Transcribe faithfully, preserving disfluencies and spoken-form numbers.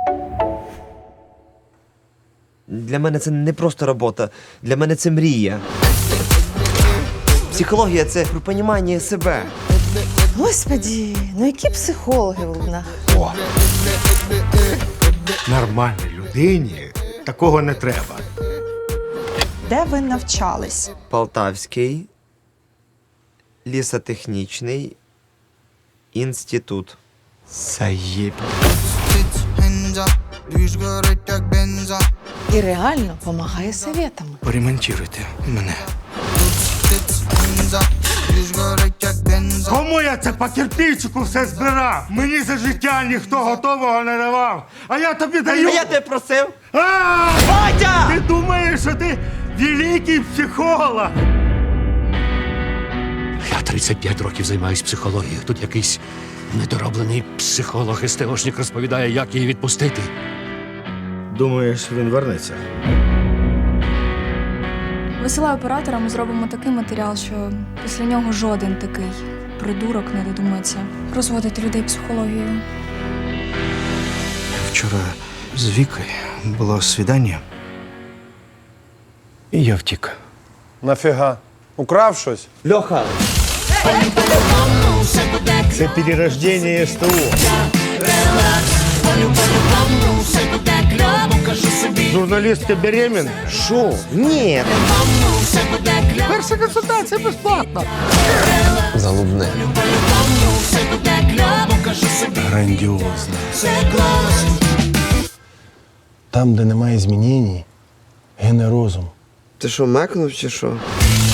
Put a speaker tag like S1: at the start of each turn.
S1: Для мене це не просто робота, для мене це мрія. Психологія – це про понімання себе.
S2: Господі, ну які психологи в Лубнах?
S3: О. Нормальній людині такого не треба.
S4: Де ви навчались?
S1: Полтавський лісотехнічний інститут.
S3: Заєб.
S2: І реально допомагає советами.
S3: Поремонтуйте мене. Кому я це по кирпичику все збирав? Мені за життя ніхто готового не давав. А я тобі даю.
S1: А я тебе просив?
S3: А!
S1: Батя!
S3: Ти думаєш, що ти великий психолог?
S5: Я тридцять п'ять років займаюсь психологією. Тут якийсь недороблений психолог-естеошник розповідає, як її відпустити.
S3: Думаєш, він вернеться?
S6: Висилаю оператора, ми зробимо такий матеріал, що після нього жоден такий придурок не додумається розводити людей психологією.
S7: Вчора з Вікою було свідання. І я втік.
S8: Нафіга? Украв щось?
S1: Льоха!
S3: Це перерождення ес те о. Журналістка беременна?
S1: Шо? Ні!
S3: Перша консультація безплатна.
S7: Залубне. Грандіозно. Там, де немає змінень, гине розум.
S1: Ти що, мекнув чи що?